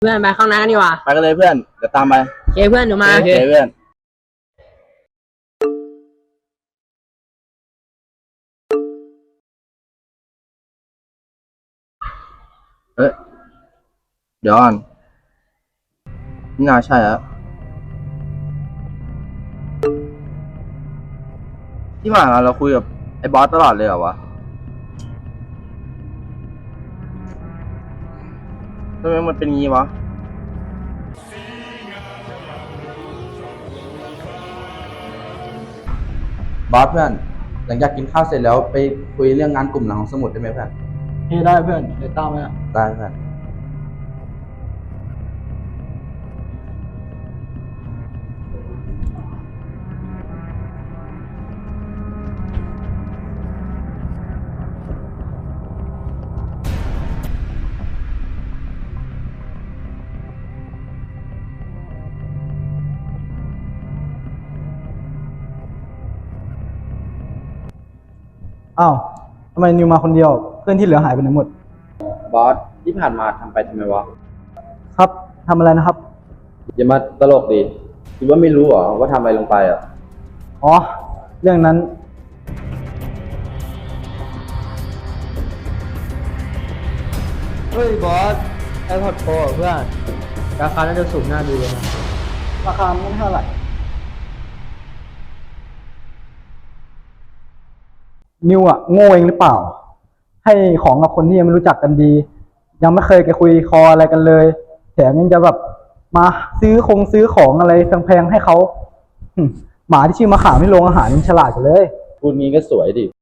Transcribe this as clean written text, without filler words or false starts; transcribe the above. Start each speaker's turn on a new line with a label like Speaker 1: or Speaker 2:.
Speaker 1: เพื่อนไปข้างหน้ากันดีกว่า
Speaker 2: ไปกันเลยเพื่อนเดี๋ยวตามไป
Speaker 1: โอเคเพื่อนเดี๋ยวมา
Speaker 2: โอเคเพื่อนเดี๋ยวก่อนนี่น่าใช่แล้วที่ผ่านมาเราคุยกับไอ้บอสตลอดเลยเหรอวะทำไมมันเป็นงี้วะบอสเพื่อนหลังจากกินข้าวเสร็จแล้วไปคุยเรื่องงานกลุ่มหลังของสมุดได้ไหมเพื่อน
Speaker 3: ได้เพื่อนเดี๋ยวตามมา
Speaker 2: ได้เพื่อน
Speaker 3: อ้าวทำไมนิวมาคนเดียวเพื่อนที่เหลือหายไปไหนหมด
Speaker 2: บอสที่ผ่านมาทำไปทำไมวะ
Speaker 3: ครับทำอะไรนะครับ
Speaker 2: อย่ามาตลกดิคิดว่าไม่รู้เหรอว่าทำอะไรลงไปอ่ะ
Speaker 3: อ๋อเรื่องนั้นเฮ้ยบอสไอพอดโปรเพื่อนราคาน่าจะสูงน่าดูเลยนะราคาไม่เท่าไหร่นิวอะโง่เองหรือเปล่า ให้ของกับคนที่ยังไม่รู้จักกันดี ยังไม่เคยไปคุยคออะไรกันเลยแถมยังจะแบบมาซื้อของอะไรแพงๆให้เขาหมาที่ชื่อมะขามที่โรงอาหารยังฉลาดกว่าเลย
Speaker 2: พูดงี้ก็สวยดิ